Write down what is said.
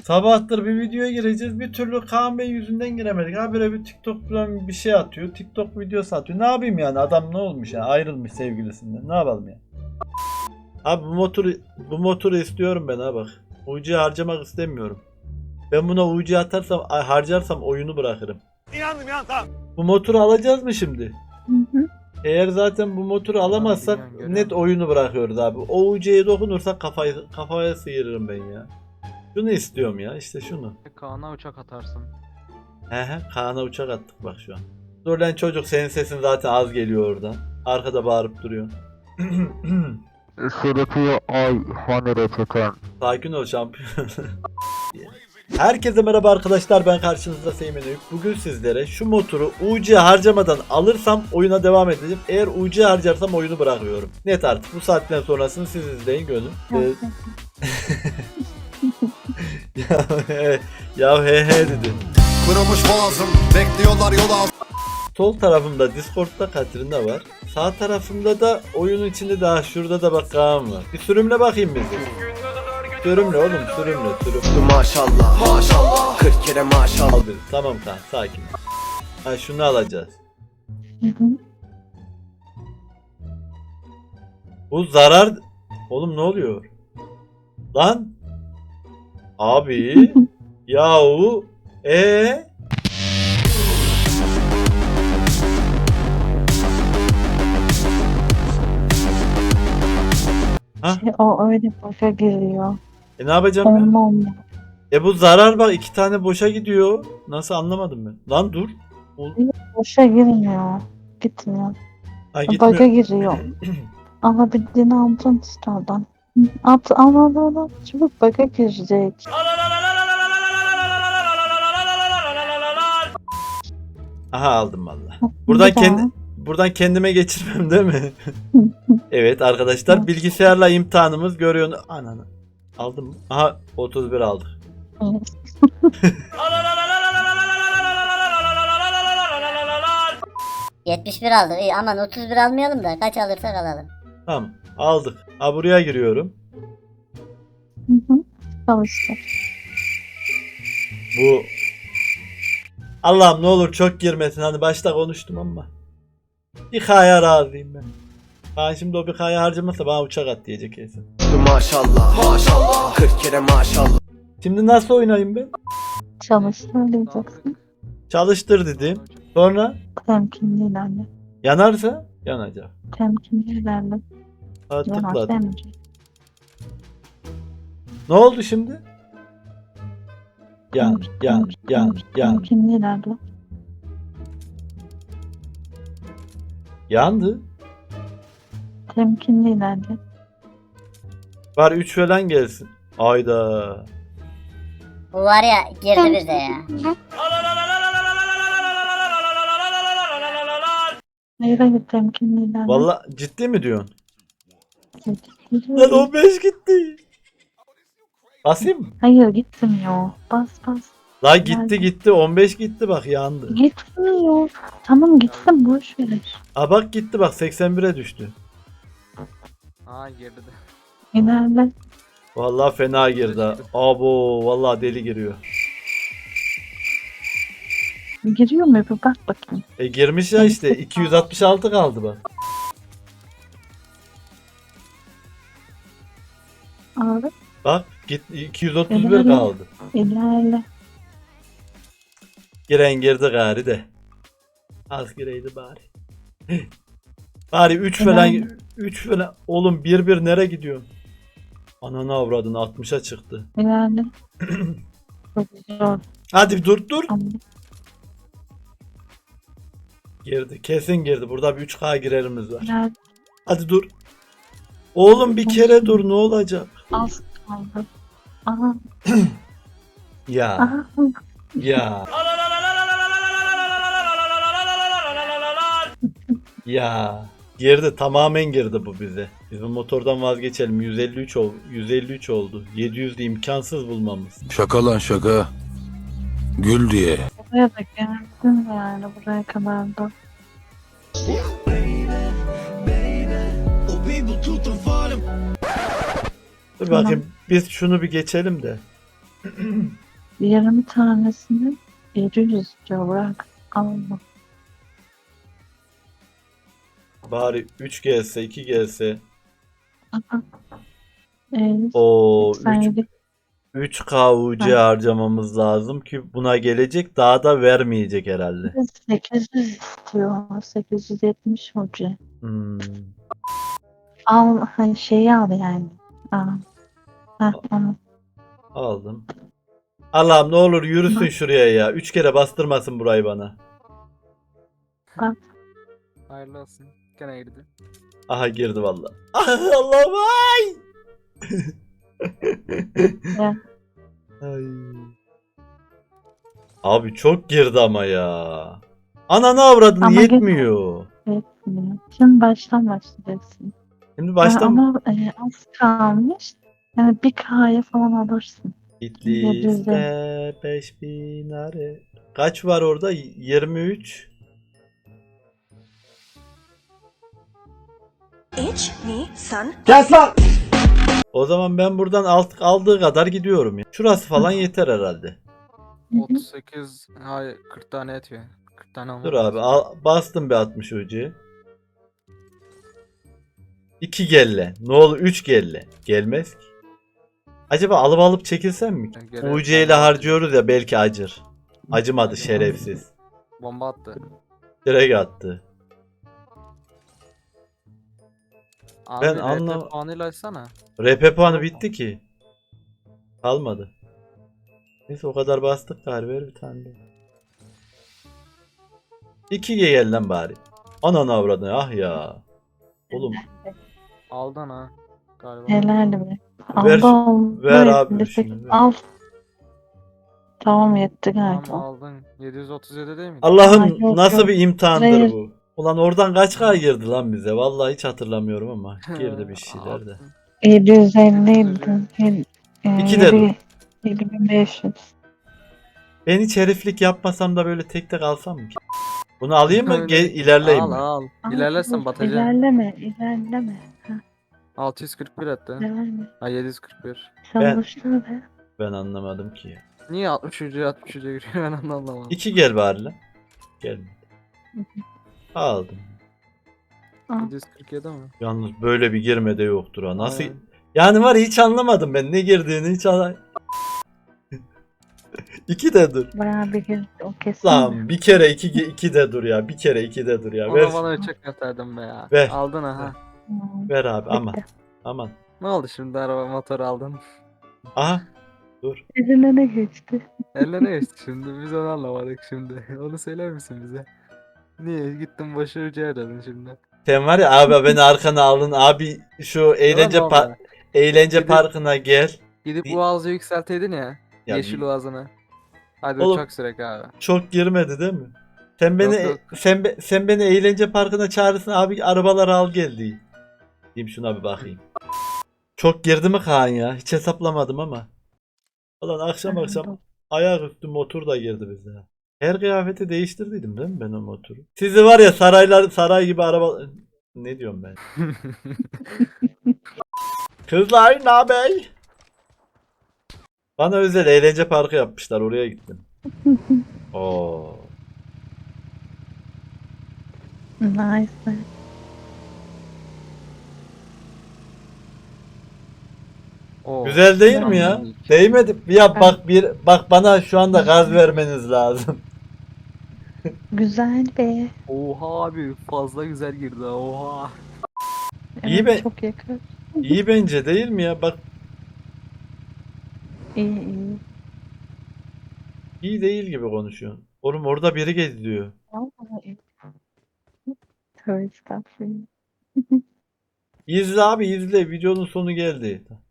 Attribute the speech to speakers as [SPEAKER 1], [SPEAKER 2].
[SPEAKER 1] Sabahtır bir videoya gireceğiz. Bir türlü Kaan Bey yüzünden giremedik. Habire bir TikTok falan bir şey atıyor. TikTok videosu atıyor. Ne yapayım yani? Adam ne olmuş ya? Ayrılmış sevgilisinden. Ne yapalım ya? Abi bu motoru istiyorum ben ha bak. UC harcamak istemiyorum. Ben buna UC atarsam harcarsam oyunu bırakırım.
[SPEAKER 2] İnandım ya, tamam.
[SPEAKER 1] Bu motoru alacağız mı şimdi?
[SPEAKER 3] Hı hı.
[SPEAKER 1] Eğer zaten bu motoru alamazsak net oyunu bırakıyoruz abi. O UC'ye dokunursak kafaya sıyırırım ben ya. Şunu istiyorum ya, işte şunu.
[SPEAKER 4] Kaan'a uçak atarsın.
[SPEAKER 1] He, Kaan'a uçak attık bak şu an. Dur lan çocuk, senin sesin zaten az geliyor oradan. Arkada bağırıp duruyor.
[SPEAKER 5] Sırıtıyor ay hani reçeten.
[SPEAKER 1] Sakin ol şampiyon. Herkese merhaba arkadaşlar, ben karşınızda Seymen Öykü. Bugün sizlere şu motoru UC harcamadan alırsam oyuna devam edeceğim. Eğer UC harcarsam oyunu bırakıyorum. Net artık, bu saatten sonrasını siz izleyin gönül. Ya he dedi.
[SPEAKER 2] Kırılmış boğazım, bekliyorlar yola.
[SPEAKER 1] Sol tarafımda Discord'da Katrina var. Sağ tarafımda da oyunun içinde daha şurada da bak Kaan var. Bir sürümle bakayım bizi. Sürümle oğlum, sürümle.
[SPEAKER 2] Maşallah, maşallah. 40 kere maşallah.
[SPEAKER 1] Al bir. Tamam Kaan, sakin. Ha, şunu alacağız.
[SPEAKER 3] Hı hı.
[SPEAKER 1] Bu zarar... Oğlum ne oluyor? Lan? Abi. Yahu. Ha?
[SPEAKER 3] O öyle boşa giriyor.
[SPEAKER 1] Ne yapacağım ben?
[SPEAKER 3] Olma.
[SPEAKER 1] Bu zarar bak, 2 tane boşa gidiyor. Nasıl, anlamadım ben. Lan dur.
[SPEAKER 3] Boşa girmiyor. Gitmiyor.
[SPEAKER 1] Ha,
[SPEAKER 3] Bug'a
[SPEAKER 1] gitmiyor.
[SPEAKER 3] giriyor. Alabildiğini aldın işte oradan. Al. Çabuk bug'a girecek.
[SPEAKER 1] Aha, aldım valla. Buradan kendime geçirmem değil mi? Evet arkadaşlar, bilgisayarla imtihanımız görüyor. Ananı. Aldım mı? Aha, 31 aldık.
[SPEAKER 6] 71 aldık. İyi, aman 31 almayalım da kaç alırsak alalım.
[SPEAKER 1] Tamam, aldık. Ha, buraya giriyorum.
[SPEAKER 3] Çalıştı.
[SPEAKER 1] Bu Allah'ım ne olur çok girmesin. Hani başta konuştum ama. Bir K'ya razıyım ben. Ben şimdi o bir K'ya harcamazsa bana uçak at diyecek kesin.
[SPEAKER 2] Maşallah, maşallah. 40 kere maşallah.
[SPEAKER 1] Şimdi nasıl oynayayım ben?
[SPEAKER 3] Çalıştır diyeceksin.
[SPEAKER 1] Çalıştır dedim. Sonra
[SPEAKER 3] Temkinli ilerle.
[SPEAKER 1] yanarsa yanacak.
[SPEAKER 3] Temkinli ilerle.
[SPEAKER 1] Ha,
[SPEAKER 3] Yanar
[SPEAKER 1] tıkladım.
[SPEAKER 3] demeyecek.
[SPEAKER 1] Ne oldu şimdi? Yan.
[SPEAKER 3] Temkinli ilerle.
[SPEAKER 1] Yandı.
[SPEAKER 3] Temkinli ilerle.
[SPEAKER 1] Var 3 falan gelsin. Ayda.
[SPEAKER 6] Bu var ya, girdi bize ya.
[SPEAKER 3] Hayır temkinli ilerle.
[SPEAKER 1] Valla ciddi mi diyorsun? Lan
[SPEAKER 3] Hayır,
[SPEAKER 1] 15 gitti. Basayım mı?
[SPEAKER 3] hayır gitmiyor. Bas.
[SPEAKER 1] La gitti 15 gitti bak, yandı.
[SPEAKER 3] Gitmiyor. Tamam gitsin boş ver.
[SPEAKER 1] Aa bak gitti bak, 81'e düştü.
[SPEAKER 4] Aa girdi.
[SPEAKER 3] İlerle.
[SPEAKER 1] Vallahi fena girdi ha. Abo vallahi deli giriyor.
[SPEAKER 3] Giriyor mu? Bir bak bakayım.
[SPEAKER 1] Girmiş ya işte, 266 kaldı bak.
[SPEAKER 3] Abi
[SPEAKER 1] Bak git, 231 kaldı.
[SPEAKER 3] ilerle.
[SPEAKER 1] Giren girdi gari de. Az gireydi bari. Bari 3 falan 3 falan. Oğlum 1-1 nereye gidiyor? Ananı avradın, 60'a çıktı.
[SPEAKER 3] İlerle. Çok zor
[SPEAKER 1] Hadi dur.
[SPEAKER 3] ama.
[SPEAKER 1] Girdi, kesin girdi. Burada bir 3K girerimiz var.
[SPEAKER 3] İlerle.
[SPEAKER 1] Hadi dur. Oğlum bir kere dur, ne olacak?
[SPEAKER 3] Az kaldı. Aha.
[SPEAKER 1] Ya
[SPEAKER 3] Aha.
[SPEAKER 1] ya. Ya. Girdi, tamamen girdi bu bize. Biz bu motordan vazgeçelim. 153 oldu. 700 de imkansız bulmamız.
[SPEAKER 7] Şaka lan şaka. Gül diye.
[SPEAKER 3] Buraya da geldin yani buraya kadar da.
[SPEAKER 1] Dur bakayım, biz şunu bir geçelim de.
[SPEAKER 3] 20 tanesini 700 diyor bırak. Allah.
[SPEAKER 1] Bari 3 gelse 2 gelse.
[SPEAKER 3] Aha.
[SPEAKER 1] O
[SPEAKER 3] 87.
[SPEAKER 1] 3K UC harcamamız lazım ki buna gelecek, daha da vermeyecek herhalde.
[SPEAKER 3] 800 istiyor. 870 hoca.
[SPEAKER 1] Hmm.
[SPEAKER 3] Al hani şeyi al yani. Aa. Heh, onu.
[SPEAKER 1] Aldım. Allah'ım ne olur yürüsün şuraya ya. 3 kere bastırmasın burayı bana.
[SPEAKER 4] Hayırlı olsun. Gene girdi.
[SPEAKER 1] Aha girdi valla. Allah'ım ay.
[SPEAKER 3] Ya.
[SPEAKER 1] Ay. Abi çok girdi ama ya. Ananı avradın
[SPEAKER 3] Ama
[SPEAKER 1] yetmiyor.
[SPEAKER 3] Etmiyor. Şimdi baştan başlayacaksın.
[SPEAKER 1] Şimdi baştan
[SPEAKER 3] Ama az kalmış. Yani bir K'ya falan alırsın.
[SPEAKER 1] Bitlis'te 5000 are. Kaç var orada? 23.
[SPEAKER 8] H ni san
[SPEAKER 1] O zaman ben buradan aldığı kadar gidiyorum ya. Şurası falan yeter herhalde.
[SPEAKER 4] 38 hayır 40 tane yetiyor. 40 tane olmaz.
[SPEAKER 1] Dur abi bastım bir 60 ucu. 2 gelle. Ne olur 3 gelle. Gelmez ki. Acaba alıp çekilsem mi?
[SPEAKER 4] Gele-
[SPEAKER 1] UC ile harcıyoruz ya, belki acır. Acımadı şerefsiz.
[SPEAKER 4] Bomba attı.
[SPEAKER 1] Direkt attı.
[SPEAKER 4] Abi
[SPEAKER 1] Ben
[SPEAKER 4] RP
[SPEAKER 1] anlam-
[SPEAKER 4] puanıyla açsana.
[SPEAKER 1] RP puanı bitti ki. Kalmadı. Neyse o kadar bastık galiba, ver bir tane de. 2G gel lan bari. Ananı avradını ah ya. Oğlum
[SPEAKER 4] Aldın ha. Galiba.
[SPEAKER 3] Helal be.
[SPEAKER 1] Ver-
[SPEAKER 3] Aldı
[SPEAKER 1] ver
[SPEAKER 3] aldı.
[SPEAKER 1] abi
[SPEAKER 3] Elinde
[SPEAKER 1] şunu,
[SPEAKER 3] sekiz-
[SPEAKER 1] ver.
[SPEAKER 3] Al. Tamam yetti
[SPEAKER 4] Tamam
[SPEAKER 3] galiba.
[SPEAKER 4] aldın. 737 değil mi?
[SPEAKER 1] Allah'ım
[SPEAKER 3] Ay, yok,
[SPEAKER 1] nasıl
[SPEAKER 3] yok.
[SPEAKER 1] bir imtihandır
[SPEAKER 3] Hayır.
[SPEAKER 1] bu. Ulan oradan kaç K girdi lan bize? Vallahi hiç hatırlamıyorum ama girdi bir şeyler de.
[SPEAKER 3] 750 idi.
[SPEAKER 1] İki de dur.
[SPEAKER 3] 7500.
[SPEAKER 1] Ben hiç heriflik yapmasam da böyle tek tek alsam mı ki? Bunu alayım mı? İlerleyeyim
[SPEAKER 4] Al
[SPEAKER 1] mi?
[SPEAKER 4] al.
[SPEAKER 3] Al,
[SPEAKER 4] İlerlersen
[SPEAKER 3] dur,
[SPEAKER 4] batacaksın.
[SPEAKER 3] İlerleme.
[SPEAKER 4] 641 etti.
[SPEAKER 3] İlerleme.
[SPEAKER 4] Ha 741.
[SPEAKER 3] Çalıştır be.
[SPEAKER 1] Ben anlamadım ki ya.
[SPEAKER 4] Niye 63'e giriyor ben onu anlamadım.
[SPEAKER 1] 2 gel bari lan. Gelmedi. Aldım.
[SPEAKER 4] 747 mi?
[SPEAKER 1] Yalnız böyle bir girme de yoktur ha. Nasıl?
[SPEAKER 4] Aynen.
[SPEAKER 1] Yani var ya, hiç anlamadım ben ne girdiğini hiç anlamadım. 2 de dur.
[SPEAKER 3] Bayağı bir gün o kesin.
[SPEAKER 1] Lan bir kere 2 de dur ya. Bir kere 2 de dur ya. Ver,
[SPEAKER 4] Ona bana uçak gösterdim be ya.
[SPEAKER 1] Ver.
[SPEAKER 4] Aldın ha.
[SPEAKER 1] ver abi aman. Aman.
[SPEAKER 4] Ne oldu şimdi araba motor aldın?
[SPEAKER 1] Aha. Dur.
[SPEAKER 3] Eline ne geçti?
[SPEAKER 4] Elle ne geçti şimdi? Biz onu anlamadık şimdi. Onu söyler misin bize? Niye gittin başı ucu aradın şimdi?
[SPEAKER 1] Sen var ya abi, beni arkana alın abi, şu eğlence
[SPEAKER 4] Tamam abi.
[SPEAKER 1] eğlence
[SPEAKER 4] Gidip-
[SPEAKER 1] parkına gel.
[SPEAKER 4] Gidip
[SPEAKER 1] Bir-
[SPEAKER 4] Uaz'ı yükselteydin ya.
[SPEAKER 1] Ya
[SPEAKER 4] Yeşil Uaz'ını. Hadi
[SPEAKER 1] Oğlum-
[SPEAKER 4] uçak sürek abi.
[SPEAKER 1] çok girmedi değil mi? Sen beni
[SPEAKER 4] Yok.
[SPEAKER 1] sen beni eğlence parkına çağırırsın abi, arabaları al gel diye. Diyeyim şuna bir bakayım. Çok girdi mi Kaan ya? Hiç hesaplamadım ama. Ulan akşam ayaküstü motor da girdi bize. Her kıyafeti değiştirdiydim değil mi ben o motoru? Sizi var ya saray gibi araba... Ne diyorum ben? Kızlar ne haber? Bana özel eğlence parkı yapmışlar, oraya gittim. Oo.
[SPEAKER 3] Nice.
[SPEAKER 4] Oo.
[SPEAKER 1] Güzel değil mi ya? Değmedi. Ya bak bana şu anda gaz vermeniz lazım.
[SPEAKER 3] Güzel be.
[SPEAKER 4] Oha abi fazla güzel girdi ha, oha.
[SPEAKER 1] İyi
[SPEAKER 3] Evet,
[SPEAKER 1] be.
[SPEAKER 3] çok yakın.
[SPEAKER 1] İyi bence değil mi ya? Bak
[SPEAKER 3] İyi.
[SPEAKER 1] iyi değil gibi konuşuyorsun. Oğlum orada biri geziyor.
[SPEAKER 3] Vallahi iyi. Tövbe estağfurullah.
[SPEAKER 1] İzle abi izle. Videonun sonu geldi.